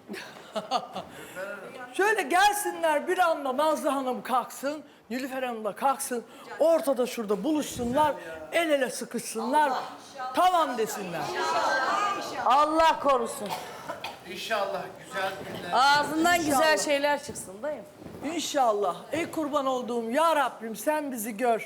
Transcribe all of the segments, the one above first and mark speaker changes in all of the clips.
Speaker 1: Şöyle gelsinler bir anda Nazlı Hanım kalksın, Nilüfer Hanım da kalksın. Ortada şurada buluşsunlar, el ele sıkışsınlar. Tamam desinler.
Speaker 2: Allah korusun.
Speaker 3: İnşallah güzel günler.
Speaker 2: Ağzından
Speaker 1: İnşallah.
Speaker 2: güzel şeyler çıksın dayım.
Speaker 1: İnşallah. Ey kurban olduğum ya Rabbim sen bizi gör.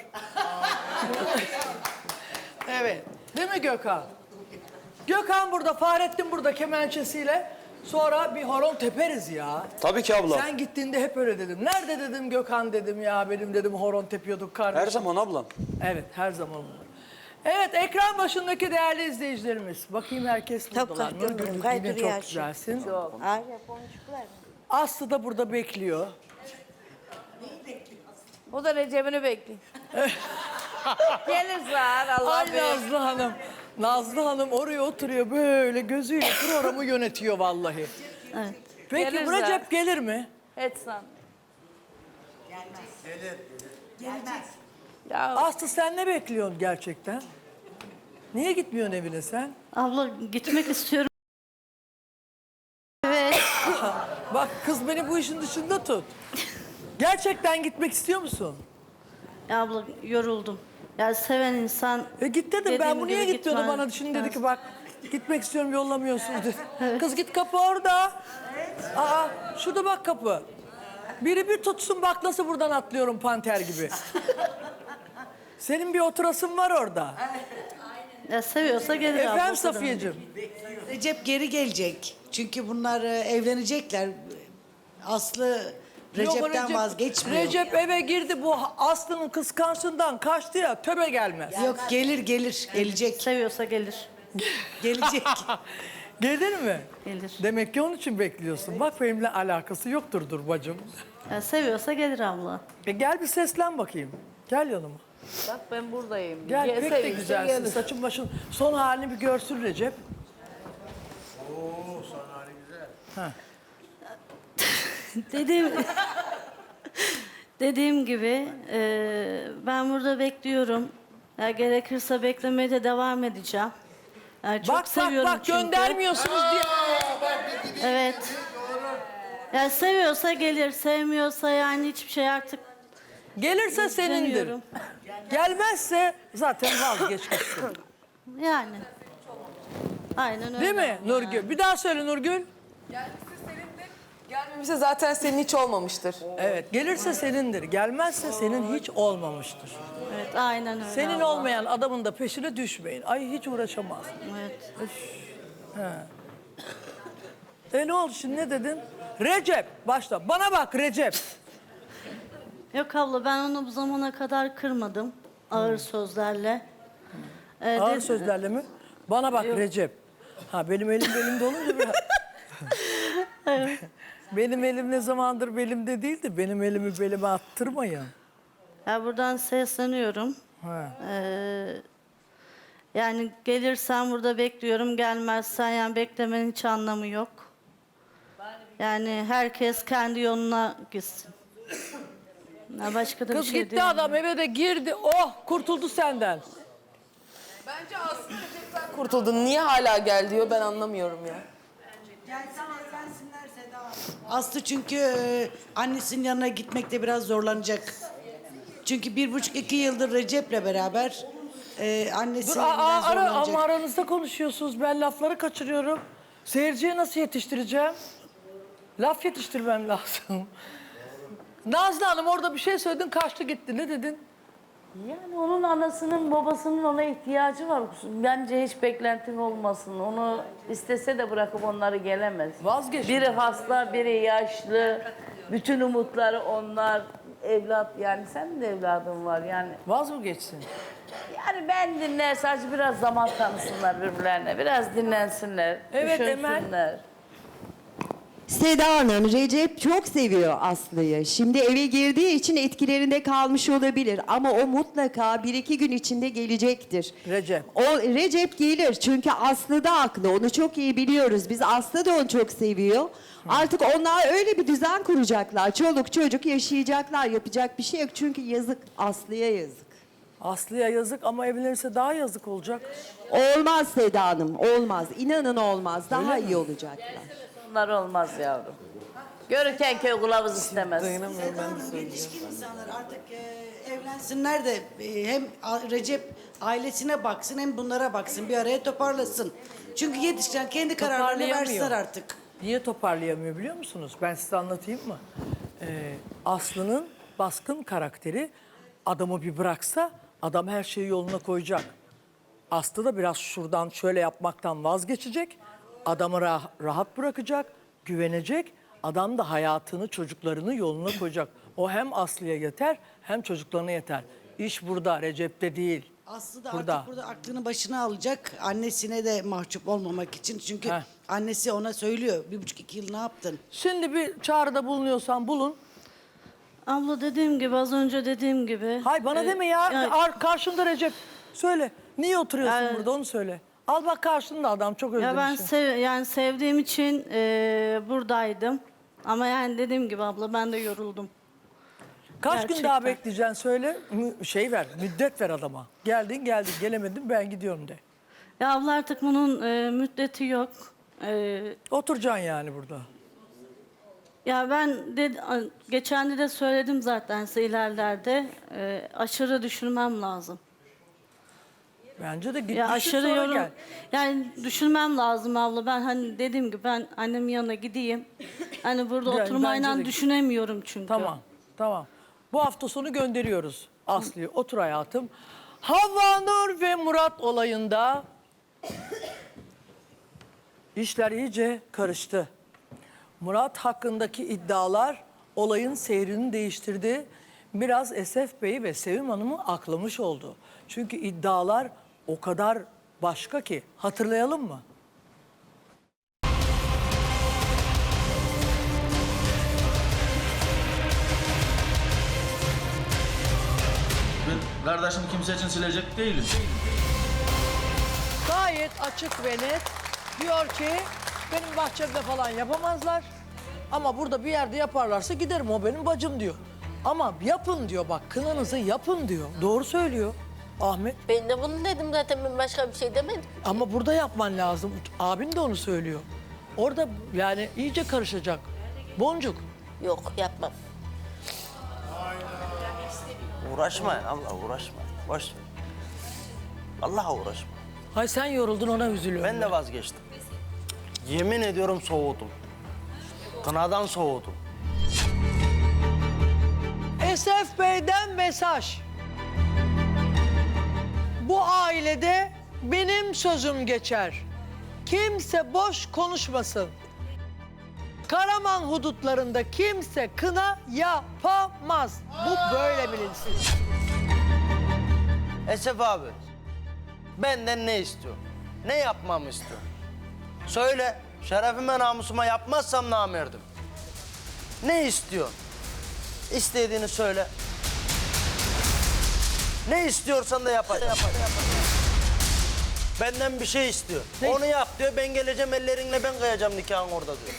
Speaker 1: Evet. Değil mi Gökhan? Gökhan burada, Fahrettin burada kemençesiyle. Sonra bir horon teperiz ya.
Speaker 4: Tabii ki abla.
Speaker 1: Sen gittiğinde hep öyle dedim. Nerede dedim Gökhan dedim ya benim dedim horon tepiyorduk kardeşim.
Speaker 4: Her zaman ablam.
Speaker 1: Evet her zaman olur. Evet ekran başındaki değerli izleyicilerimiz. bakayım herkes buradalar. Nurgül yine çok güzelsin. Aslı da burada bekliyor.
Speaker 2: O da Recep'ini bekliyor. Gelir zar Allah
Speaker 1: Ay
Speaker 2: bilir.
Speaker 1: Nazlı Hanım. Nazlı Hanım oraya oturuyor böyle gözüyle programı yönetiyor vallahi.
Speaker 5: Evet.
Speaker 1: Peki
Speaker 2: Gelir
Speaker 1: bu
Speaker 2: zaten.
Speaker 1: Recep gelir mi?
Speaker 2: Etsan. Ya
Speaker 1: Aslı sen ne bekliyorsun gerçekten? Niye gitmiyorsun evine sen?
Speaker 5: Abla gitmek istiyorum. Evet.
Speaker 1: Bak kız beni bu işin dışında tut. Gerçekten gitmek istiyor musun?
Speaker 5: Ya abla yoruldum. Ya seven insan...
Speaker 1: Git dedim ben
Speaker 5: dediğim
Speaker 1: bu niye
Speaker 5: gibi
Speaker 1: git diyordu
Speaker 5: gitmez.
Speaker 1: bana. Şimdi dedi ki bak gitmek istiyorum yollamıyorsun dedi. Kız git kapı orada. Aa şurada bak kapı. Biri bir tutsun bak nasıl buradan atlıyorum panter gibi. Senin bir oturasın var orada.
Speaker 5: Ya seviyorsa gelir abla.
Speaker 1: Efendim Safiyeciğim.
Speaker 6: Recep geri gelecek. Çünkü bunlar evlenecekler. Aslı Recep'ten
Speaker 1: Yok,
Speaker 6: vazgeçmiyor.
Speaker 1: Recep eve girdi bu Aslı'nın kıskançlığından kaçtı ya töbe gelmez.
Speaker 6: Yok gelecek.
Speaker 5: Seviyorsa gelir.
Speaker 6: Gelecek.
Speaker 1: Gelir mi?
Speaker 5: Gelir.
Speaker 1: Demek ki onun için bekliyorsun. Bak benimle alakası yoktur dur bacım.
Speaker 5: Ya seviyorsa gelir abla.
Speaker 1: Gel bir seslen bakayım. Gel yanıma.
Speaker 2: bak ben buradayım.
Speaker 1: Gel
Speaker 2: Gelse
Speaker 1: pek de
Speaker 2: gitse
Speaker 1: güzelsin.
Speaker 2: gelir.
Speaker 1: Saçın başın son halini bir görsün Recep.
Speaker 5: Dediğim gibi ben burada bekliyorum. Ya gerekirse beklemeye de devam edeceğim. Yani çok
Speaker 1: Bak
Speaker 5: seviyorum
Speaker 1: bak
Speaker 5: çünkü.
Speaker 1: göndermiyorsunuz diye.
Speaker 5: Evet. Ya seviyorsa gelir, sevmiyorsa yani hiçbir şey artık
Speaker 1: Gelirse senindir.
Speaker 5: demiyorum.
Speaker 1: Gelmezse zaten vazgeç gitsin.
Speaker 5: Yani. Aynen öyle.
Speaker 1: Değil mi Nurgül? Bir daha söyle Nurgül.
Speaker 7: Gelmemişse zaten senin hiç olmamıştır.
Speaker 1: Evet gelirse senindir. Gelmezse senin hiç olmamıştır.
Speaker 5: Evet, aynen öyle.
Speaker 1: Senin
Speaker 5: abla.
Speaker 1: olmayan adamın da peşine düşmeyin. Ay hiç uğraşamaz.
Speaker 5: Evet.
Speaker 1: Ne oldu şimdi ne dedin? Recep başla. Bana bak Recep.
Speaker 5: Yok abla ben onu bu zamana kadar kırmadım. Ağır sözlerle.
Speaker 1: Ağır
Speaker 5: De-
Speaker 1: sözlerle mi? Bana bak Recep. Ha benim elim belimde olunca biraz... Benim elim ne zamandır belimde değildi. Benim elimi belime attırmayın.
Speaker 5: Ya buradan sesleniyorum.
Speaker 1: Ha.
Speaker 5: Yani gelirsen burada bekliyorum. Gelmezsen yani beklemenin hiç anlamı yok. Yani herkes kendi yoluna gitsin. Ya başka da
Speaker 1: Kız
Speaker 5: bir şey
Speaker 1: gitti
Speaker 5: değil.
Speaker 1: adam eve de girdi. Oh kurtuldu senden.
Speaker 7: Bence aslında Recep'ten kurtuldun. Niye hala gel diyor ben anlamıyorum ya.
Speaker 6: Aslı çünkü annesinin yanına gitmekte biraz zorlanacak. Çünkü 1,5-2 yıldır Recep'le beraber annesi
Speaker 1: Dur
Speaker 6: biraz zorlanacak.
Speaker 1: ama aranızda konuşuyorsunuz. Ben lafları kaçırıyorum. Seyirciye nasıl yetiştireceğim? Laf yetiştirmem lazım. Nazlı Hanım orada bir şey söyledin kaçtı gitti. Ne dedin?
Speaker 2: Yani onun anasının babasının ona ihtiyacı var. Bence hiç beklentin olmasın. Onu istese de bırakıp onları gelemez.
Speaker 1: Vazgeç.
Speaker 2: Biri hasta, biri yaşlı. Bütün umutları onlar. Evlat yani senin de evladın var yani.
Speaker 1: Vaz mı geçsin?
Speaker 2: Yani ben dinler sadece biraz zaman tanısınlar birbirlerine. Biraz dinlensinler.
Speaker 1: Evet,
Speaker 2: düşünsünler.
Speaker 1: Emel.
Speaker 8: Seda Hanım, Recep çok seviyor Aslı'yı. Şimdi eve girdiği için etkilerinde kalmış olabilir. Ama o mutlaka 1-2 gün içinde gelecektir.
Speaker 1: Recep.
Speaker 8: O Recep gelir çünkü Aslı da haklı. Onu çok iyi biliyoruz. Biz Aslı da onu çok seviyor. Artık onlar öyle bir düzen kuracaklar. Çoluk çocuk yaşayacaklar. Yapacak bir şey yok. Çünkü yazık. Aslı'ya yazık.
Speaker 1: Aslı'ya yazık ama evlenirse daha yazık olacak.
Speaker 8: Olmaz Seda Hanım, olmaz. İnanın olmaz. Daha iyi olacaklar.
Speaker 2: Bunlar olmaz yavrum. Görürken köy kılavuz istemez.
Speaker 7: Dayanamıyorum ben de söyleyeceğim.
Speaker 6: Yetişkin insanlar artık evlensinler de hem Recep ailesine baksın hem bunlara baksın. Bir araya toparlasın. Çünkü yetişken kendi kararlarını
Speaker 1: Toparlayamıyor.
Speaker 6: versinler artık.
Speaker 1: Niye toparlayamıyor biliyor musunuz? Ben size anlatayım mı? Aslı'nın baskın karakteri adamı bir bıraksa adam her şeyi yoluna koyacak. Aslı da biraz şuradan şöyle yapmaktan vazgeçecek. Adamı rahat bırakacak, güvenecek. Adam da hayatını, çocuklarını yoluna koyacak. O hem Aslı'ya yeter hem çocuklarına yeter. İş burada, Recep'te değil.
Speaker 6: Aslı da
Speaker 1: Burada.
Speaker 6: artık burada aklını başına alacak. Annesine de mahcup olmamak için. Çünkü
Speaker 1: Heh.
Speaker 6: annesi ona söylüyor. 1,5-2 yıl ne yaptın?
Speaker 1: Şimdi bir çağrıda bulunuyorsan bulun.
Speaker 5: Abla dediğim gibi az önce dediğim gibi.
Speaker 1: Hay bana deme ya. Karşında Recep. Söyle. Niye oturuyorsun
Speaker 5: Yani-
Speaker 1: burada onu söyle. Al bak karşında adam çok
Speaker 5: Ya ben
Speaker 1: özlemişim.
Speaker 5: yani sevdiğim için buradaydım. Ama yani dediğim gibi abla ben de yoruldum.
Speaker 1: Kaç gün
Speaker 5: gerçekten.
Speaker 1: daha bekleyeceksin söyle. Şey ver, müddet ver adama. Geldin, gelemedin ben gidiyorum de.
Speaker 5: Ya abla artık bunun müddeti yok.
Speaker 1: Oturacaksın yani burada.
Speaker 5: Ya ben geçen de söyledim zaten size ilerlerde. Aşırı düşünmem lazım.
Speaker 1: Bence de git
Speaker 5: Ya
Speaker 1: düşün
Speaker 5: aşırı
Speaker 1: sonra
Speaker 5: yorum.
Speaker 1: gel.
Speaker 5: Yani düşünmem lazım abla. Ben hani dediğim gibi ben annemin yanına gideyim. Hani burada
Speaker 1: Yani
Speaker 5: oturmayla
Speaker 1: bence de-
Speaker 5: düşünemiyorum çünkü.
Speaker 1: Tamam. Bu hafta sonu gönderiyoruz Aslı'yı. Otur hayatım. Havva Nur ve Murat olayında işler iyice karıştı. Murat hakkındaki iddialar olayın seyrini değiştirdi. Biraz Esef Bey ve Sevim Hanım'ı aklamış oldu. Çünkü iddialar o kadar başka ki. Hatırlayalım mı?
Speaker 4: Ben kardeşimi kimse için silecek değilim.
Speaker 1: Gayet açık ve net diyor ki benim bahçemde falan yapamazlar. Ama burada bir yerde yaparlarsa giderim, o benim bacım diyor. Ama yapın diyor, bak kınanızı yapın diyor. Doğru söylüyor Ahmet.
Speaker 9: Ben de bunu dedim zaten, ben başka bir şey demedim.
Speaker 1: Ama burada yapman lazım. Abin de onu söylüyor. Orada yani iyice karışacak. Boncuk.
Speaker 9: Yok, yapmam.
Speaker 10: Uğraşmayın Allah uğraşmayın. Boş ver. Allah'a uğraşma.
Speaker 1: Hay sen yoruldun ona üzülüyorum.
Speaker 10: Ben de vazgeçtim. Yemin ediyorum soğudum. Kınadan soğudum.
Speaker 1: Esef Bey'den mesaj. Bu ailede benim sözüm geçer. Kimse boş konuşmasın. Karaman hudutlarında kimse kına yapamaz. Bu böyle bilinsin.
Speaker 10: Esef abi, benden ne istiyorsun? Ne yapmamı istiyorsun? Söyle, şerefime namusuma yapmazsam namerdim. Ne istiyorsun? İstediğini söyle. Ne istiyorsan da yapacağım. Benden bir şey istiyor.
Speaker 1: Ne?
Speaker 10: Onu yap diyor, ben geleceğim ellerinle ben kıyacağım nikahın orada diyor.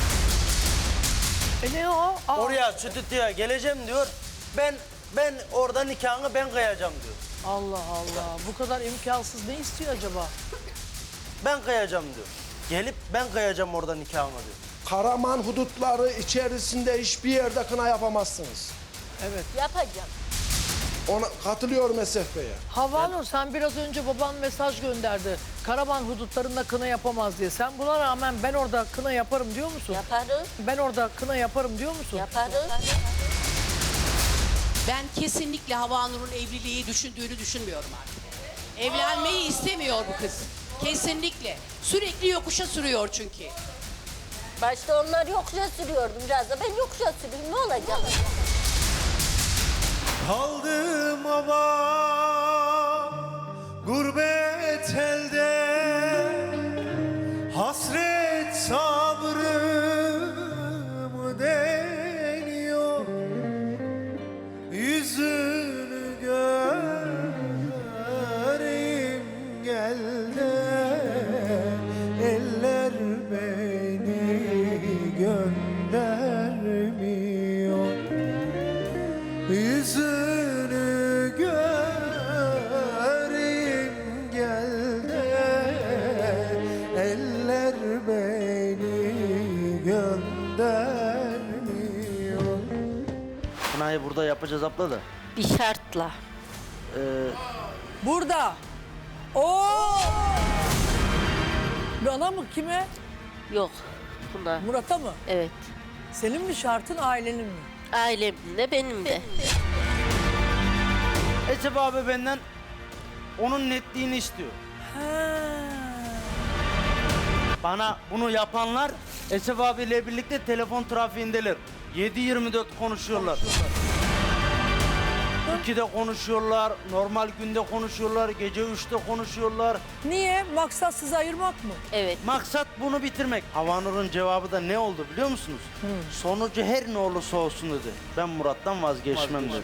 Speaker 1: Ne o? Aa,
Speaker 10: Oraya stüdyoya geleceğim diyor. Ben orada nikahını ben kıyacağım diyor.
Speaker 1: Allah Allah. Bu kadar imkansız ne istiyor acaba?
Speaker 10: Ben kıyacağım diyor. Gelip ben kıyacağım orada nikahını diyor.
Speaker 11: Karaman hudutları içerisinde hiçbir yerde kına yapamazsınız.
Speaker 1: Evet.
Speaker 9: Yapacağım.
Speaker 11: Ona katılıyorum Esef Bey'e.
Speaker 1: Havva Nur, sen biraz önce baban mesaj gönderdi. Karaman hudutlarında kına yapamaz diye. Sen buna rağmen ben orada kına yaparım diyor musun?
Speaker 9: Yaparım,
Speaker 1: Ben orada kına yaparım diyor musun?
Speaker 9: yaparım.
Speaker 12: Ben kesinlikle Havva Nur'un evliliği düşündüğünü düşünmüyorum artık. Evlenmeyi istemiyor bu kız. Kesinlikle. Sürekli yokuşa sürüyor çünkü.
Speaker 9: Başta onlar yokuşa sürüyordu, biraz da ben yokuşa süreyim, ne olacak?
Speaker 3: Kaldım ama gurbet elde, hasret sabrımı deniyor, yüzünü göreyim gel de eller beni göndermiyor. Yüzünü göreyim gel de
Speaker 10: kınayı burada yapacağız abla da.
Speaker 9: Bir şartla.
Speaker 1: Burada. Oo! Bana mı, kime?
Speaker 9: Yok. Buna.
Speaker 1: Murat'a mı?
Speaker 9: Evet.
Speaker 1: Senin mi şartın, ailenin mi?
Speaker 9: Ailemin de benim de.
Speaker 10: Esef abi benden onun netliğini istiyor.
Speaker 1: Ha.
Speaker 10: Bana bunu yapanlar Esef abiyle birlikte telefon trafiğindeler. 7-24 konuşuyorlar. 2'de konuşuyorlar, normal günde konuşuyorlar, gece 3'te konuşuyorlar.
Speaker 1: Niye? Maksat sizi ayırmak mı?
Speaker 9: Evet.
Speaker 10: Maksat bunu bitirmek. Havanur'un cevabı da ne oldu biliyor musunuz? Sonucu her ne olursa olsun dedi. Ben Murat'tan vazgeçmem dedi.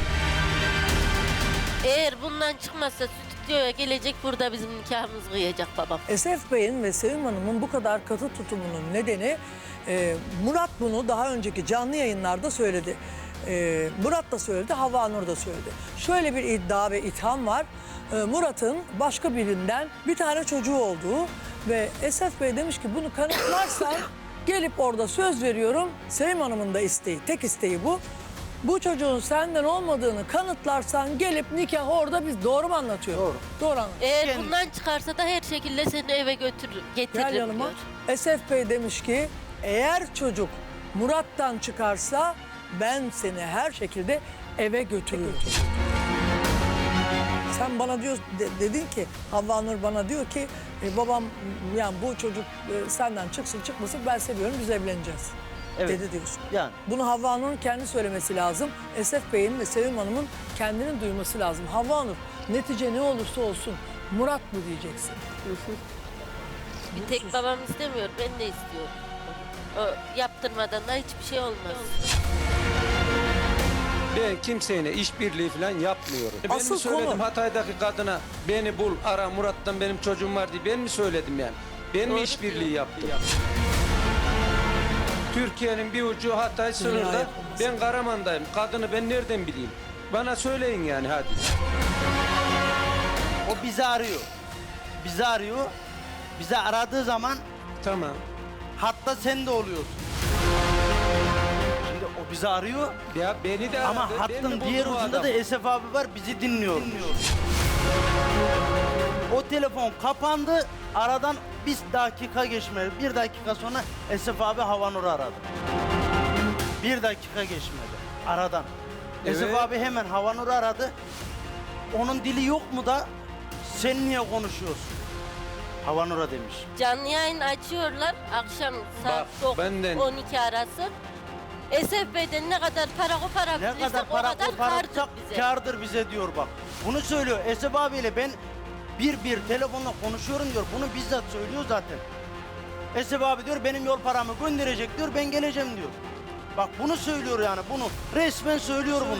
Speaker 9: Eğer bundan çıkmazsa stüdyoya gelecek, burada bizim nikahımızı kıyacak babam.
Speaker 1: Esef Bey'in ve Sevim Hanım'ın bu kadar katı tutumunun nedeni Murat bunu daha önceki canlı yayınlarda söyledi. Murat da söyledi, Havanur da söyledi. Şöyle bir iddia ve itham var. Murat'ın başka birinden bir tane çocuğu olduğu ve Esef Bey demiş ki bunu kanıtlarsan gelip orada söz veriyorum. Sevim Hanım'ın da isteği, tek isteği bu. Bu çocuğun senden olmadığını kanıtlarsan gelip nikah orada, biz doğru mu anlatıyor?
Speaker 10: Doğru.
Speaker 1: Doğru anlatıyor.
Speaker 9: Eğer bundan çıkarsa da her şekilde seni eve getiririm
Speaker 1: Gel yanıma.
Speaker 9: diyor.
Speaker 1: Esef Bey demiş ki eğer çocuk Murat'tan çıkarsa ben seni her şekilde eve götürürüm. Sen bana diyor, dedin ki, Havva Nur bana diyor ki babam, yani bu çocuk senden çıksın çıkmasın ben seviyorum, biz evleneceğiz.
Speaker 10: Evet.
Speaker 1: Dedi diyorsun.
Speaker 10: Yani.
Speaker 1: Bunu Havva Nur'un kendi söylemesi lazım. Esef Bey'in ve Sevim Hanım'ın kendinin duyması lazım. Havva Nur, netice ne olursa olsun Murat mı diyeceksin?
Speaker 9: Bir tek babam istemiyor, ben de istiyorum. O yaptırmadan da hiçbir şey olmaz.
Speaker 11: Ben kimseyle işbirliği falan yapmıyorum. Ben
Speaker 1: Asıl
Speaker 11: mi söyledim
Speaker 1: konu-
Speaker 11: Hatay'daki kadına beni bul, ara, Murat'tan benim çocuğum var diye ben mi söyledim yani? Ben mi işbirliği yaptım? Türkiye'nin bir ucu Hatay sınırda. Ben Karaman'dayım. Kadını ben nereden bileyim? Bana söyleyin yani hadi.
Speaker 10: O bizi arıyor. Bizi arıyor. Bizi aradığı zaman
Speaker 11: Tamam.
Speaker 10: hatta sen de oluyorsun. Şimdi o bizi arıyor
Speaker 11: Ya beni de
Speaker 10: ama
Speaker 11: aradı. Ben
Speaker 10: hattın
Speaker 11: mi
Speaker 10: diğer
Speaker 11: buldum o
Speaker 10: ucunda da
Speaker 11: adamı?
Speaker 10: Esef abi var, bizi dinliyor. O telefon kapandı. Aradan bir dakika geçmedi. Bir dakika sonra Esef abi Havanur'u aradı. Bir dakika geçmedi aradan. Esef
Speaker 11: Evet.
Speaker 10: abi hemen Havanur'u aradı. Onun dili yok mu da sen niye konuşuyorsun? Havanur'a demiş.
Speaker 9: Canlı yayın açıyorlar akşam saat
Speaker 11: Bak, benden-
Speaker 9: 12 arası. Esef Bey'den ne kadar para koparabilirsek
Speaker 10: Ne kadar para
Speaker 9: o kadar
Speaker 10: koparırsak
Speaker 9: kardır bize.
Speaker 10: kârdır bize diyor bak. Bunu söylüyor. Esef abiyle ben bir telefonla konuşuyorum diyor. Bunu bizzat söylüyor zaten. Esef abi diyor benim yol paramı gönderecek diyor, ben geleceğim diyor. Bak bunu söylüyor yani, bunu resmen söylüyor bunu.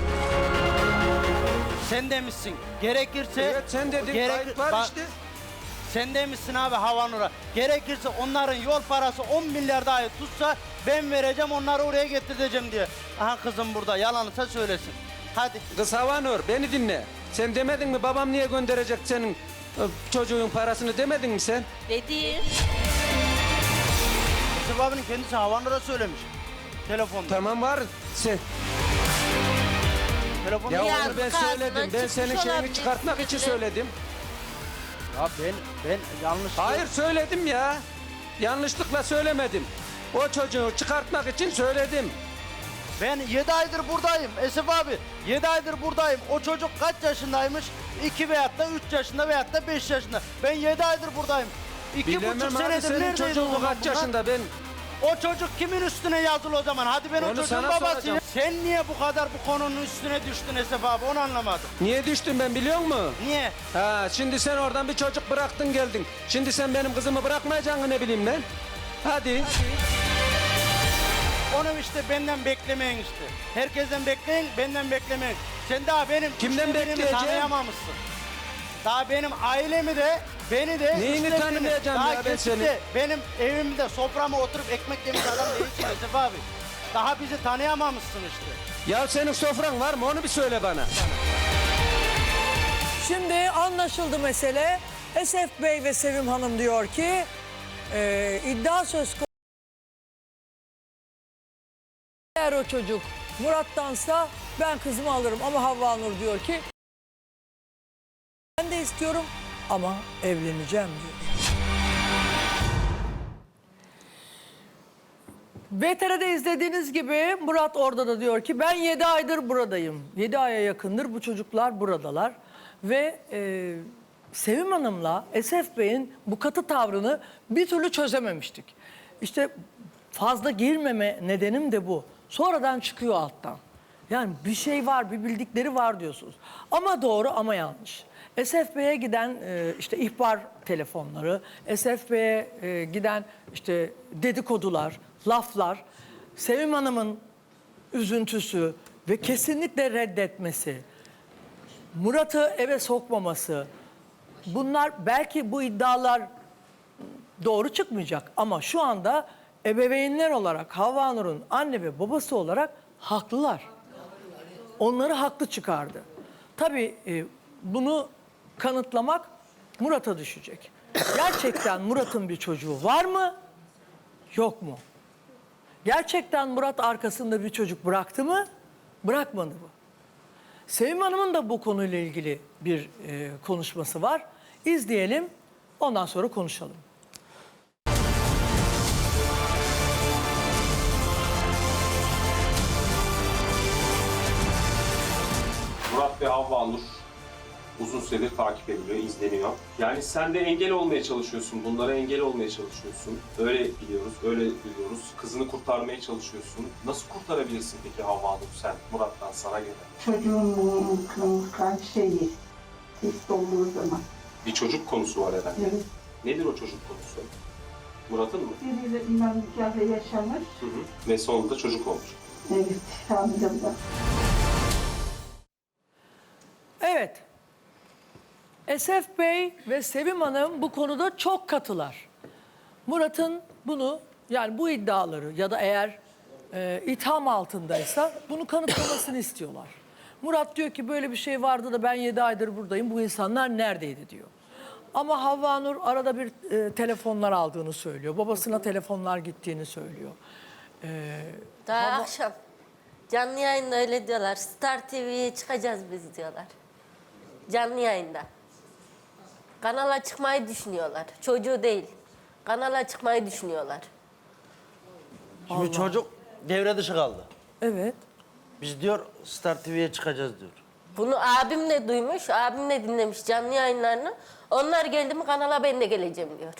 Speaker 10: Sen demişsin gerekirse...
Speaker 11: Evet sen dedin kayıt var
Speaker 10: Bak,
Speaker 11: işte.
Speaker 10: sen demişsin abi Havanur'a. Gerekirse onların yol parası 10 milyar dahi tutsa ben vereceğim, onları oraya getireceğim diye. Aha kızım burada, yalansa söylesin. Hadi.
Speaker 11: Kız Havanur beni dinle. Sen demedin mi babam niye gönderecek senin çocuğun parasını demedin mi sen?
Speaker 9: Dediğim
Speaker 10: Esef abinin kendisi Havanur'a söylemiş. Telefonda.
Speaker 11: Tamam var. Sen.
Speaker 10: Telefonda.
Speaker 11: Ya
Speaker 9: Yazık
Speaker 11: onu ben
Speaker 9: ağzından
Speaker 11: söyledim. Ben senin
Speaker 9: çıkmış
Speaker 11: şeyini
Speaker 9: olabilir
Speaker 11: çıkartmak için
Speaker 9: sizin de.
Speaker 11: söyledim.
Speaker 10: Ya ben yanlış...
Speaker 11: Hayır söyledim ya. Yanlışlıkla söylemedim. O çocuğu çıkartmak için söyledim.
Speaker 10: Ben 7 aydır buradayım Esef abi. 7 aydır buradayım. O çocuk kaç yaşındaymış? 2 veyahut da 3 yaşında veyahut da 5 yaşında. Ben 7 aydır buradayım. 2,5
Speaker 11: Bilemem abi
Speaker 10: senedir
Speaker 11: senin
Speaker 10: neredeydi o
Speaker 11: çocuğun
Speaker 10: zaman
Speaker 11: kaç
Speaker 10: bunlar?
Speaker 11: yaşında ben.
Speaker 10: O çocuk kimin üstüne yazılı o zaman? Hadi ben o
Speaker 11: Onu
Speaker 10: çocuğun
Speaker 11: sana
Speaker 10: babasıyım.
Speaker 11: soracağım.
Speaker 10: Sen niye bu kadar bu konunun üstüne düştün Esef abi? Onu anlamadım.
Speaker 11: Niye düştüm ben biliyor musun?
Speaker 10: Niye?
Speaker 11: Ha, şimdi sen oradan bir çocuk bıraktın geldin. Şimdi sen benim kızımı bırakmayacaksın ne bileyim ben. Hadi.
Speaker 10: Onu işte benden beklemeyin işte. Herkesten bekleyin, benden beklemeyin. Sen daha benim
Speaker 11: Kimden
Speaker 10: üçte birimi
Speaker 11: bekleyeceğim?
Speaker 10: tanıyamamışsın. Daha benim ailemi de, beni de...
Speaker 11: Neyini
Speaker 10: üçte birini-
Speaker 11: tanımayacağım
Speaker 10: daha
Speaker 11: ya ben
Speaker 10: geçip de
Speaker 11: seni?
Speaker 10: Benim evimde soframa oturup ekmek yemiş adam değilsin Esef abi. Daha bizi tanıyamamışsın işte.
Speaker 11: Ya senin sofran var mı onu bir söyle bana.
Speaker 1: Şimdi anlaşıldı mesele. Esef Bey ve Sevim Hanım diyor ki iddia söz konusu. Eğer o çocuk Murat'tansa ben kızımı alırım ama Havva Nur diyor ki ben de istiyorum ama evleneceğim diyor. VTR'de izlediğiniz gibi Murat orada da diyor ki ben 7 aydır buradayım. 7 aya yakındır bu çocuklar buradalar. Ve Sevim Hanım'la Esef Bey'in bu katı tavrını bir türlü çözememiştik. İşte fazla girmeme nedenim de bu. Sonradan çıkıyor alttan. Yani bir şey var, bir bildikleri var diyorsunuz. Ama doğru ama yanlış. Esef Bey'e giden işte ihbar telefonları, Esef Bey'e giden işte dedikodular, laflar, Sevim Hanım'ın üzüntüsü ve kesinlikle reddetmesi, Murat'ı eve sokmaması, bunlar belki bu iddialar doğru çıkmayacak ama şu anda ebeveynler olarak Havva Nur'un anne ve babası olarak haklılar. Onları haklı çıkardı. Tabii bunu kanıtlamak Murat'a düşecek. Gerçekten Murat'ın bir çocuğu var mı? Yok mu? Gerçekten Murat arkasında bir çocuk bıraktı mı? Bırakmadı mı? Sevim Hanım'ın da bu konuyla ilgili bir konuşması var. İzleyelim, ondan sonra konuşalım.
Speaker 13: Murat ve Havva Nur uzun süredir takip ediliyor, izleniyor. Yani sen de engel olmaya çalışıyorsun, bunlara engel olmaya çalışıyorsun. Öyle biliyoruz, öyle biliyoruz. Kızını kurtarmaya çalışıyorsun. Nasıl kurtarabilirsin peki Havva Nur sen Murat'tan sana göre?
Speaker 14: Çocuğun şeyi, test olduğu zaman.
Speaker 13: Bir çocuk konusu var herhalde.
Speaker 14: Evet.
Speaker 13: Nedir o çocuk konusu? Murat'ın mı?
Speaker 14: Biriyle imam nikahı yaşamış.
Speaker 13: Hı hı. Ve sonunda çocuk olmuş.
Speaker 14: Evet, hamile.
Speaker 1: Evet. Esef Bey ve Sevim Hanım bu konuda çok katılar. Murat'ın bunu yani bu iddiaları ya da eğer itham altındaysa bunu kanıtlamasını istiyorlar. Murat diyor ki böyle bir şey vardı da ben 7 aydır buradayım. Bu insanlar neredeydi diyor. Ama Havva Nur arada bir telefonlar aldığını söylüyor. Babasına telefonlar gittiğini söylüyor.
Speaker 9: Daha akşam canlı yayında öyle diyorlar. Star TV'ye çıkacağız biz diyorlar. Canlı yayında. Kanala çıkmayı düşünüyorlar. Çocuğu değil. Kanala çıkmayı düşünüyorlar.
Speaker 10: Şimdi çocuk devre dışı kaldı.
Speaker 1: Evet.
Speaker 10: Biz diyor Star TV'ye çıkacağız diyor.
Speaker 9: Bunu abim de duymuş, abim de dinlemiş canlı yayınlarını. Onlar geldi mi kanala ben de geleceğim diyor.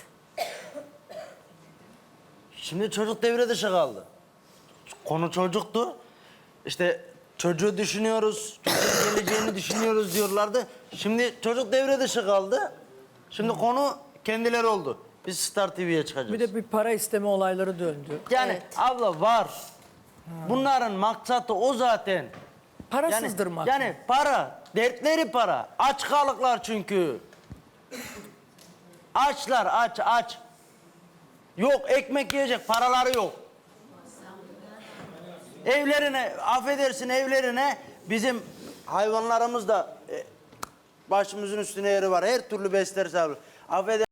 Speaker 10: Şimdi çocuk devre dışı kaldı. Konu çocuktu. İşte çocuğu düşünüyoruz, çocuğun geleceğini düşünüyoruz diyorlardı. Şimdi çocuk devre dışı kaldı. Şimdi konu kendileri oldu. Biz Star TV'ye çıkacağız.
Speaker 1: Bir de bir para isteme olayları döndü.
Speaker 10: Yani
Speaker 9: Evet.
Speaker 10: abla var. Bunların maksatı o zaten.
Speaker 1: Parasızdır maksat.
Speaker 10: Yani para, dertleri para. Aç kalıklar çünkü. Açlar, aç. Yok ekmek yiyecek paraları yok. Evlerine, affedersin evlerine bizim hayvanlarımız da başımızın üstüne yeri var. Her türlü besler abi. Affedersin.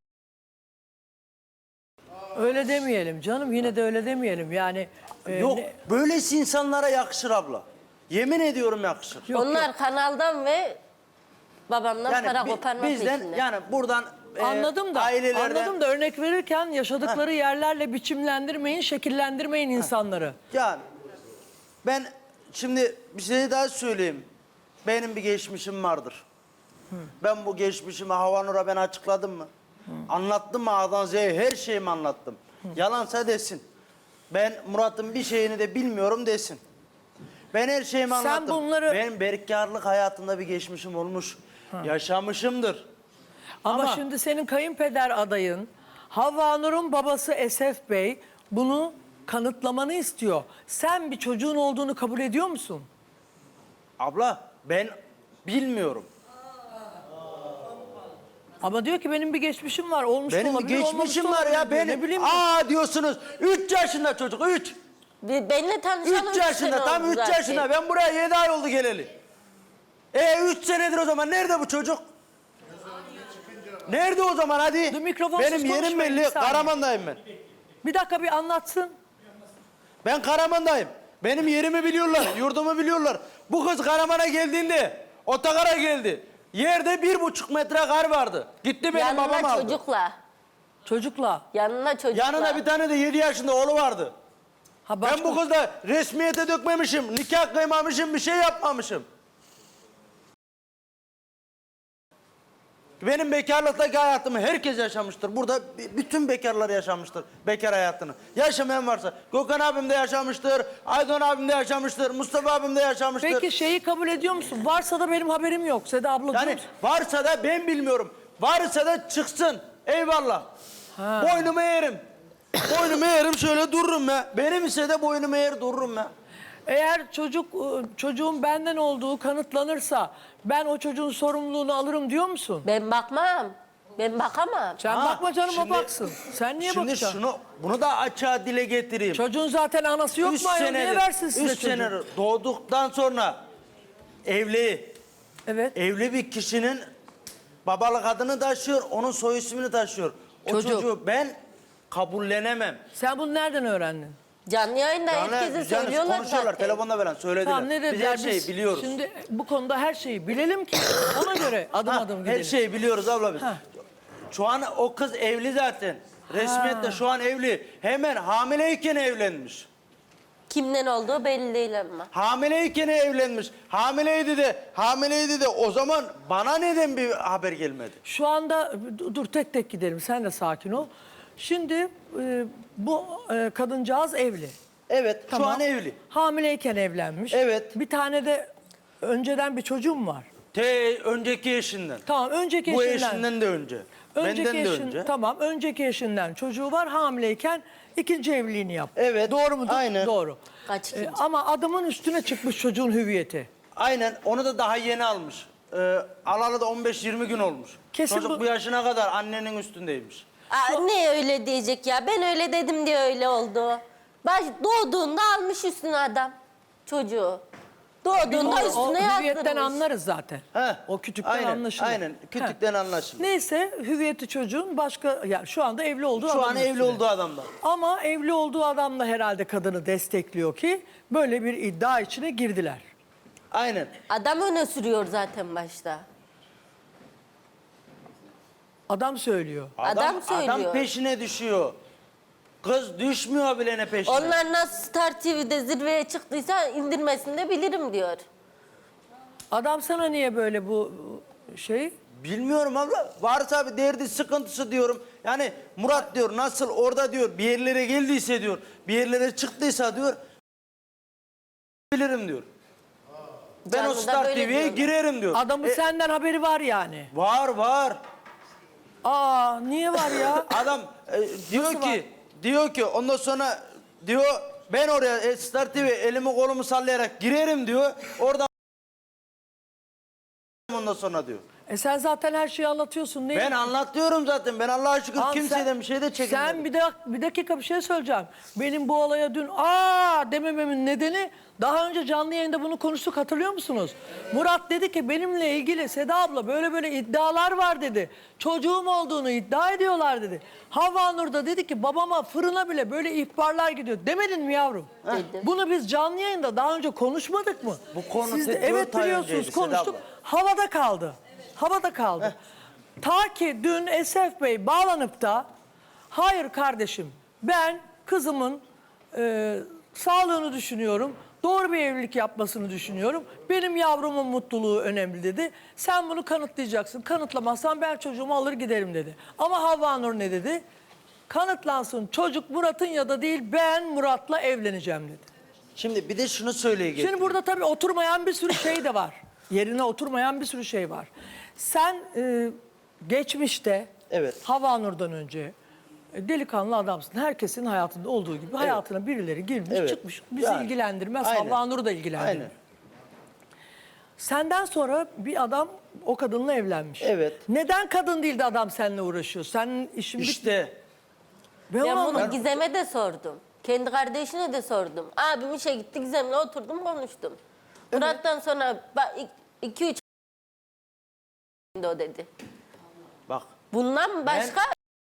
Speaker 1: Öyle demeyelim canım, yine de öyle demeyelim. Yani
Speaker 10: Yok, böylesi insanlara yakışır abla. Yemin ediyorum yakışır.
Speaker 9: Onlar kanaldan ve babamdan para
Speaker 10: bi-
Speaker 9: koparmak
Speaker 10: bizden
Speaker 9: peşinde.
Speaker 10: yani buradan
Speaker 1: anladım da,
Speaker 10: ailelerden
Speaker 1: anladım da örnek verirken yaşadıkları yerlerle biçimlendirmeyin, şekillendirmeyin insanları.
Speaker 10: yani ben şimdi bir şey daha söyleyeyim. Benim bir geçmişim vardır. Ben bu geçmişimi Havva Nur'a ben açıkladım mı? Anlattım mı A'dan Z'ye her şeyimi anlattım. Yalansa desin. Ben Murat'ın bir şeyini de bilmiyorum desin. Ben her şeyimi
Speaker 1: Sen
Speaker 10: anlattım.
Speaker 1: bunları-
Speaker 10: Benim berkarlık hayatında bir geçmişim olmuş. Yaşamışımdır.
Speaker 1: Ama
Speaker 10: Ama-
Speaker 1: şimdi senin kayınpeder adayın Havva Nur'un babası Esef Bey bunu kanıtlamanı istiyor. Sen bir çocuğun olduğunu kabul ediyor musun?
Speaker 10: Abla ben bilmiyorum.
Speaker 1: Ama diyor ki benim bir geçmişim var. Olmuş da
Speaker 10: Benim bir
Speaker 1: olabilir, olmamış
Speaker 10: geçmişim
Speaker 1: da
Speaker 10: var
Speaker 1: olabilir
Speaker 10: ya
Speaker 1: diyor.
Speaker 10: benim.
Speaker 1: Ne bileyim.
Speaker 10: Diyorsunuz 3 yaşında çocuk 3.
Speaker 9: Benimle tanışalım
Speaker 10: 3 yaşında tam 3 yaşında ben buraya 7 ay oldu geleli. 3 senedir o zaman nerede bu çocuk? Nerede o zaman hadi?
Speaker 1: Dur, mikrofonsuz
Speaker 10: Benim yerim
Speaker 1: konuşmayın, bir
Speaker 10: belli
Speaker 1: saniye.
Speaker 10: Karaman'dayım ben.
Speaker 1: Bir dakika bir anlatsın.
Speaker 10: Ben Karaman'dayım. Benim yerimi biliyorlar, yurdumu biliyorlar. Bu kız Karaman'a geldiğinde, otogara geldi. Yerde 1,5 metre kar vardı. Gitti benim babam
Speaker 9: Yanına
Speaker 10: aldı.
Speaker 9: çocukla.
Speaker 1: Çocukla.
Speaker 9: Yanına çocukla.
Speaker 10: Yanında bir tane de 7 yaşında oğlu vardı.
Speaker 1: Ha,
Speaker 10: Ben bu kızla resmiyete dökmemişim, nikah kıymamışım, bir şey yapmamışım. Benim bekarlıktaki hayatımı herkes yaşamıştır. Burada bütün bekarlar yaşamıştır bekar hayatını. Yaşamayan varsa Gökhan abim de yaşamıştır, Aydoğan abim de yaşamıştır, Mustafa abim de yaşamıştır.
Speaker 1: Peki şeyi kabul ediyor musun? Varsa da benim haberim yok. Seda abla diyor
Speaker 10: Yani
Speaker 1: musun?
Speaker 10: varsa da ben bilmiyorum. Varsa da çıksın. Eyvallah. Boynumu eğerim. Boynumu eğerim, şöyle dururum ya. Benim ise de boynumu eğer dururum ya.
Speaker 1: Eğer çocuğun benden olduğu kanıtlanırsa ben o çocuğun sorumluluğunu alırım diyor musun?
Speaker 9: Ben bakmam. Ben bakamam.
Speaker 1: Sen bakma canım, o baksın. Sen niye
Speaker 10: Şimdi
Speaker 1: bakacaksın?
Speaker 10: bunu da açığa dile getireyim.
Speaker 1: Çocuğun zaten anası yok mu? Ayol? Niye versin size
Speaker 10: 3 sene doğduktan sonra evli.
Speaker 1: Evet.
Speaker 10: Evli bir kişinin babalık adını taşıyor, onun soy ismini taşıyor. O
Speaker 1: Çocuk.
Speaker 10: çocuğu ben kabullenemem.
Speaker 1: Sen bunu nereden öğrendin?
Speaker 9: Canlı yayında herkese söylüyorlar
Speaker 10: konuşuyorlar,
Speaker 9: zaten.
Speaker 10: telefonda falan söylediler.
Speaker 1: Tamam, ne
Speaker 10: Biz
Speaker 1: dediler?
Speaker 10: her şeyi biliyoruz.
Speaker 1: Şimdi bu konuda her şeyi bilelim ki ona göre adım adım gidelim.
Speaker 10: Her şeyi biliyoruz abla biz.
Speaker 1: Ha.
Speaker 10: Şu an o kız evli zaten. Resmiyette şu an evli. Hemen hamileyken evlenmiş.
Speaker 9: Kimden olduğu belli değil ama.
Speaker 10: Hamileyken evlenmiş. Hamileydi de o zaman bana neden bir haber gelmedi?
Speaker 1: Şu anda dur tek tek gidelim, sen de sakin ol. Şimdi bu kadıncağız evli.
Speaker 10: Evet,
Speaker 1: Tamam.
Speaker 10: şu an evli.
Speaker 1: Hamileyken evlenmiş.
Speaker 10: Evet.
Speaker 1: Bir tane de önceden bir çocuğum var.
Speaker 10: Önceki eşinden.
Speaker 1: Tamam, önceki
Speaker 10: Bu
Speaker 1: eşinden.
Speaker 10: eşinden de önce. Benden de önce.
Speaker 1: Tamam, önceki eşinden çocuğu var, hamileyken ikinci evliliğini yaptı.
Speaker 10: Evet.
Speaker 1: Doğru mudur?
Speaker 10: Aynen.
Speaker 1: Doğru.
Speaker 9: Kaç ikinci?
Speaker 1: Ama adamın üstüne çıkmış çocuğun hüviyeti.
Speaker 10: Aynen, onu da daha yeni almış. Alalı da 15-20 gün olmuş.
Speaker 1: Kesin
Speaker 10: Çocuk bu yaşına kadar annenin üstündeymiş.
Speaker 9: Ne öyle diyecek ya? Ben öyle dedim diye öyle oldu. Doğduğunda almış üstüne adam çocuğu. Doğduğunda
Speaker 1: O
Speaker 9: üstüne
Speaker 1: hüviyetten
Speaker 9: yazdırmış.
Speaker 1: anlarız zaten.
Speaker 10: He.
Speaker 1: O kütükten
Speaker 10: Aynen,
Speaker 1: anlaşılır.
Speaker 10: aynen. Kütükten anlaşılır.
Speaker 1: Neyse, hüviyeti çocuğun başka, yani şu anda evli olduğu
Speaker 10: Şu an
Speaker 1: adamın
Speaker 10: evli
Speaker 1: üstüne.
Speaker 10: olduğu adamda.
Speaker 1: Ama evli olduğu adam da herhalde kadını destekliyor ki böyle bir iddia içine girdiler.
Speaker 10: Aynen.
Speaker 9: Adam öne sürüyor zaten başta.
Speaker 1: Adam söylüyor.
Speaker 9: Adam söylüyor.
Speaker 10: Adam peşine düşüyor. Kız düşmüyor bile ne peşine.
Speaker 9: Onlar nasıl Star TV'de zirveye çıktıysa indirmesini de bilirim diyor.
Speaker 1: Adam sana niye böyle bu şey?
Speaker 10: Bilmiyorum abla. Varsa bir derdi, sıkıntısı diyorum. Yani Murat diyor nasıl orada diyor bir yerlere geldiyse diyor. Bir yerlere çıktıysa diyor. Bilirim diyor. Ben o
Speaker 9: Canlıda
Speaker 10: Star
Speaker 9: böyle
Speaker 10: TV'ye
Speaker 9: diyorlar.
Speaker 10: girerim diyor.
Speaker 1: Adamın senden haberi var yani.
Speaker 10: Var.
Speaker 1: Aa, niye var ya?
Speaker 10: Adam diyor ki ondan sonra diyor ben oraya Star TV elimi kolumu sallayarak girerim diyor. Oradan ondan sonra diyor.
Speaker 1: Sen zaten her şeyi anlatıyorsun. Ne?
Speaker 10: Ben anlatıyorum zaten. Ben Allah'a şükür
Speaker 1: Al,
Speaker 10: kimseden bir şey de çekinmedim.
Speaker 1: Sen bir dakika bir şey söyleyeceğim. Benim bu olaya dün demememin nedeni, daha önce canlı yayında bunu konuştuk, hatırlıyor musunuz? Murat dedi ki benimle ilgili Seda abla böyle iddialar var dedi. Çocuğum olduğunu iddia ediyorlar dedi. Havva Nur da dedi ki babama fırına bile böyle ihbarlar gidiyor. Demedin mi yavrum?
Speaker 9: Dedim.
Speaker 1: Bunu biz canlı yayında daha önce konuşmadık mı?
Speaker 10: Bu konu
Speaker 1: Siz de,
Speaker 10: 4
Speaker 1: evet
Speaker 10: ay
Speaker 1: biliyorsunuz,
Speaker 10: önceydi Seda
Speaker 1: konuştuk.
Speaker 10: abla.
Speaker 1: Havada kaldı. Havada kaldı. Ta ki dün Esef Bey bağlanıp da hayır kardeşim ben kızımın sağlığını düşünüyorum. Doğru bir evlilik yapmasını düşünüyorum. Benim yavrumun mutluluğu önemli dedi. Sen bunu kanıtlayacaksın. Kanıtlamazsan ben çocuğumu alır giderim dedi. Ama Havva Nur ne dedi? Kanıtlansın, çocuk Murat'ın ya da değil, ben Murat'la evleneceğim dedi.
Speaker 10: Şimdi bir de şunu söyleyeyim.
Speaker 1: Şimdi burada tabii oturmayan bir sürü şey de var. Yerine oturmayan bir sürü şey var. Sen geçmişte
Speaker 10: Evet.
Speaker 1: Havva Nur'dan önce delikanlı adamsın. Herkesin hayatında olduğu gibi hayatına birileri girmiş
Speaker 10: Evet.
Speaker 1: çıkmış. Bizi
Speaker 10: Yani,
Speaker 1: ilgilendirmez.
Speaker 10: aynen.
Speaker 1: Havva Nur'u da ilgilendirmez.
Speaker 10: Aynen.
Speaker 1: Senden sonra bir adam o kadınla evlenmiş.
Speaker 10: Evet.
Speaker 1: Neden kadın değil de adam seninle uğraşıyor? Senin işin
Speaker 10: İşte
Speaker 1: Ben
Speaker 9: Ben
Speaker 1: onu
Speaker 9: bunu
Speaker 1: anlamadım.
Speaker 9: Gizem'e de sordum. Kendi kardeşine de sordum. Abim işe gitti, Gizem'le oturdum konuştum. Murat'tan sonra 2-3 o dedi.
Speaker 10: bak.
Speaker 9: Bundan başka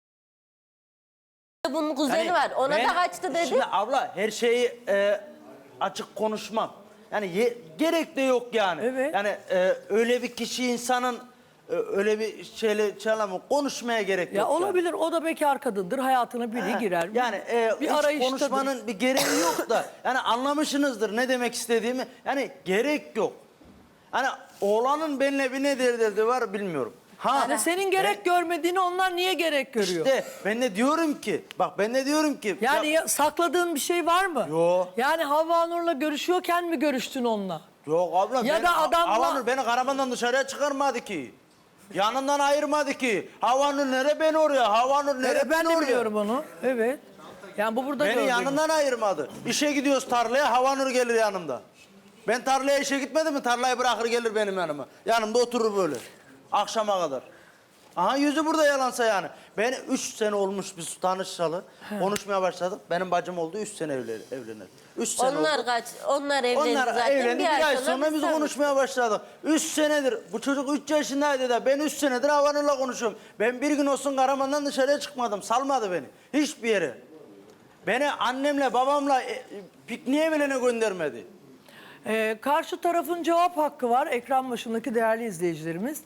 Speaker 9: bunun kuzeni
Speaker 10: Yani
Speaker 9: var. Ona
Speaker 10: ben-
Speaker 9: da kaçtı dedi.
Speaker 10: Şimdi abla her şeyi açık konuşmam. Yani gerek de yok yani.
Speaker 1: Evet.
Speaker 10: Yani öyle bir kişi insanın öyle bir şeyle konuşmaya gerek yok.
Speaker 1: Ya
Speaker 10: yani.
Speaker 1: olabilir, o da bekar kadındır, hayatına biri girer.
Speaker 10: Yani
Speaker 1: bir
Speaker 10: hiç
Speaker 1: arayıştadır.
Speaker 10: konuşmanın bir gereği yok da yani anlamışsınızdır ne demek istediğimi. Yani gerek yok. Hani oğlanın benimle bir ne derdi var bilmiyorum.
Speaker 1: Yani senin gerek görmediğini onlar niye gerek görüyor?
Speaker 10: İşte ben de diyorum ki
Speaker 1: Yani sakladığın bir şey var mı?
Speaker 10: Yok.
Speaker 1: Yani Havva Nur'la görüşüyorken mi görüştün onunla?
Speaker 10: Yok abla.
Speaker 1: Ya da adamla-
Speaker 10: Havanur beni Karaman'dan dışarıya çıkarmadı ki. Yanından ayırmadı ki. Havanur nere ben oraya. Havanur nere
Speaker 1: Evet, ben de
Speaker 10: oraya.
Speaker 1: biliyorum onu. Evet. Yani bu burada
Speaker 10: Beni
Speaker 1: gördüğüm.
Speaker 10: yanından ayırmadı. İşe gidiyoruz tarlaya, Havanur gelir yanımda. Ben tarlaya işe gitmedim mi tarlayı bırakır gelir benim yanıma. Yanımda oturur böyle. Akşama kadar. Aha yüzü burada yalansa yani. Ben 3 sene olmuş biz tanışalı. Konuşmaya başladık. Benim bacım oldu 3 sene evlenir. 3 sene
Speaker 9: Onlar
Speaker 10: oldu.
Speaker 9: onlar evlendi
Speaker 10: Onlar
Speaker 9: zaten.
Speaker 10: evlendi bir ay sonra biz
Speaker 9: tanıştık.
Speaker 10: konuşmaya başladık. 3 senedir bu çocuk 3 yaşındaydı da ben 3 senedir Havanur'la konuşuyorum. Ben bir gün olsun Karaman'dan dışarıya çıkmadım. Salmadı beni. Hiçbir yere. Beni annemle babamla pikniğe bile göndermedi.
Speaker 1: Karşı tarafın cevap hakkı var. Ekran başındaki değerli izleyicilerimiz.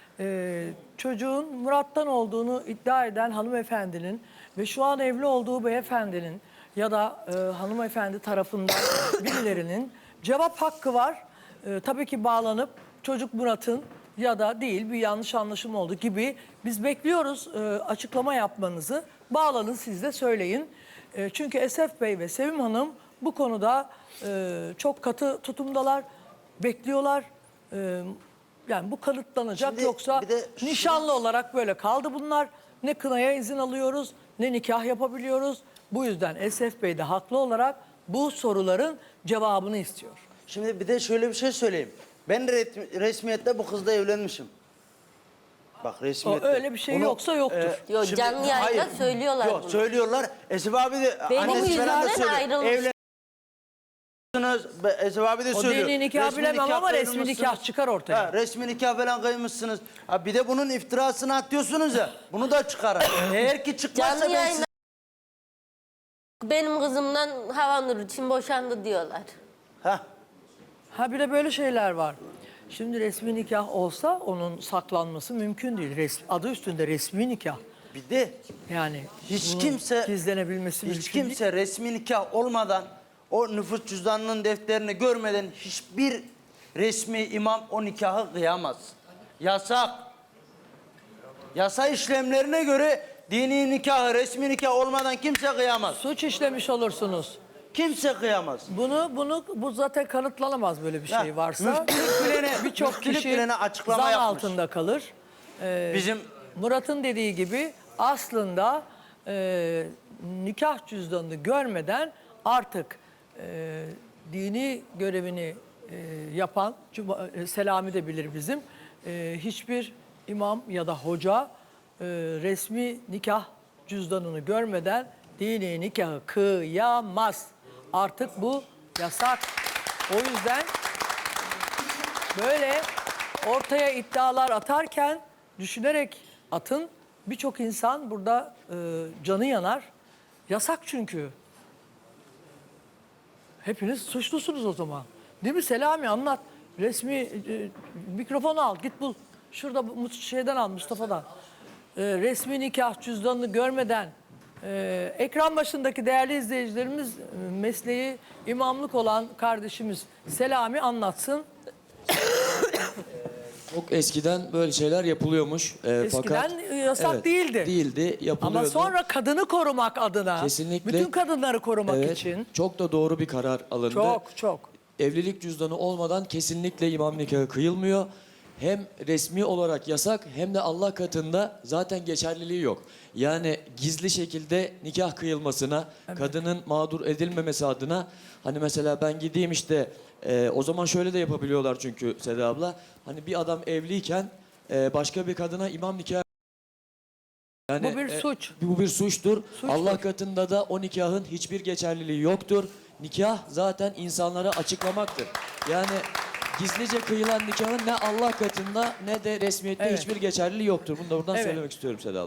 Speaker 1: Çocuğun Murat'tan olduğunu iddia eden hanımefendinin ve şu an evli olduğu beyefendinin ya da hanımefendi tarafından birilerinin cevap hakkı var. Tabii ki bağlanıp çocuk Murat'ın ya da değil bir yanlış anlaşılma oldu gibi biz bekliyoruz açıklama yapmanızı. Bağlanın siz de söyleyin. Çünkü Esef Bey ve Sevim Hanım bu konuda çok katı tutumdalar, bekliyorlar. Yani bu kanıtlanacak.
Speaker 10: Şimdi
Speaker 1: Yoksa
Speaker 10: bir de
Speaker 1: nişanlı olarak böyle kaldı bunlar. Ne kınaya izin alıyoruz ne nikah yapabiliyoruz. Bu yüzden Esef Bey de haklı olarak bu soruların cevabını istiyor.
Speaker 10: Şimdi bir de şöyle bir şey söyleyeyim. Ben resmiyette bu kızla evlenmişim. Bak resmiyette.
Speaker 1: Öyle bir şey yoksa yoktur.
Speaker 9: Yok, canlı yayında söylüyorlar
Speaker 10: Yok
Speaker 9: bunu.
Speaker 10: söylüyorlar. Esef abi de
Speaker 9: Benim
Speaker 10: annesi falan da
Speaker 9: yüzümden
Speaker 10: söylüyor.
Speaker 9: ayrılmış.
Speaker 10: Esef abi de
Speaker 1: O
Speaker 10: söylüyor.
Speaker 1: dini nikah bilemem ama resmi
Speaker 10: kıymışsınız.
Speaker 1: nikah çıkar ortaya.
Speaker 10: Ha, resmi nikah falan kıymışsınız. Ha, bir de bunun iftirasını atıyorsunuz ya. Bunu da çıkarın. Eğer ki çıkmazsa
Speaker 9: Canlı
Speaker 10: ben
Speaker 9: yayında benim kızımdan Havanur için boşandı diyorlar.
Speaker 1: Ha bir de böyle şeyler var. Şimdi resmi nikah olsa onun saklanması mümkün değil. Adı üstünde resmi nikah.
Speaker 10: Bir de
Speaker 1: yani
Speaker 10: hiç
Speaker 1: bunun
Speaker 10: kimse
Speaker 1: gizlenebilmesi
Speaker 10: hiç
Speaker 1: mümkün
Speaker 10: kimse resmi nikah olmadan o nüfus cüzdanının defterini görmeden hiçbir resmi imam o nikahı kıyamaz. Yasak. Yasa işlemlerine göre dini nikahı, resmi nikah olmadan kimse kıyamaz.
Speaker 1: Suç işlemiş olursunuz.
Speaker 10: Kimse kıyamaz.
Speaker 1: Bu zaten kanıtlanamaz böyle bir şey varsa. Birçok
Speaker 10: müftülük
Speaker 1: kişi
Speaker 10: bilene açıklama
Speaker 1: zan
Speaker 10: yapmış.
Speaker 1: altında kalır.
Speaker 10: Bizim
Speaker 1: Murat'ın dediği gibi aslında nikah cüzdanını görmeden artık dini görevini yapan, Selami de bilir bizim, hiçbir imam ya da hoca resmi nikah cüzdanını görmeden dini nikahı kıyamaz. Artık bu yasak. O yüzden böyle ortaya iddialar atarken düşünerek atın. Birçok insan burada canı yanar. Yasak çünkü. Hepiniz suçlusunuz o zaman. Değil mi Selami, anlat. Resmi mikrofonu al, git bul. Şurada şeyden al, Mustafa'dan. Resmi nikah cüzdanını görmeden ekran başındaki değerli izleyicilerimiz mesleği imamlık olan kardeşimiz Selami anlatsın.
Speaker 15: Çok eskiden böyle şeyler yapılıyormuş.
Speaker 1: Eskiden yasak
Speaker 15: evet,
Speaker 1: değildi.
Speaker 15: Değildi, yapılıyordu.
Speaker 1: Ama sonra kadını korumak adına,
Speaker 15: Kesinlikle,
Speaker 1: bütün kadınları korumak
Speaker 15: evet,
Speaker 1: için.
Speaker 15: çok da doğru bir karar alındı.
Speaker 1: Çok.
Speaker 15: Evlilik cüzdanı olmadan kesinlikle imam nikahı kıyılmıyor. Hem resmi olarak yasak hem de Allah katında zaten geçerliliği yok. Yani gizli şekilde nikah kıyılmasına, kadının mağdur edilmemesi adına hani mesela ben gideyim işte o zaman şöyle de yapabiliyorlar çünkü Seda abla. Hani bir adam evliyken başka bir kadına imam nikahı yani,
Speaker 1: bu bir suç.
Speaker 15: Bu bir suçtur.
Speaker 1: Suçtur.
Speaker 15: Allah katında da o nikahın hiçbir geçerliliği yoktur. Nikah zaten insanlara açıklamaktır. Yani gizlice kıyılan nikahın ne Allah katında ne de resmiyette
Speaker 1: Evet.
Speaker 15: hiçbir geçerliliği yoktur. Bunu da buradan
Speaker 1: Evet.
Speaker 15: söylemek istiyorum Seda abla.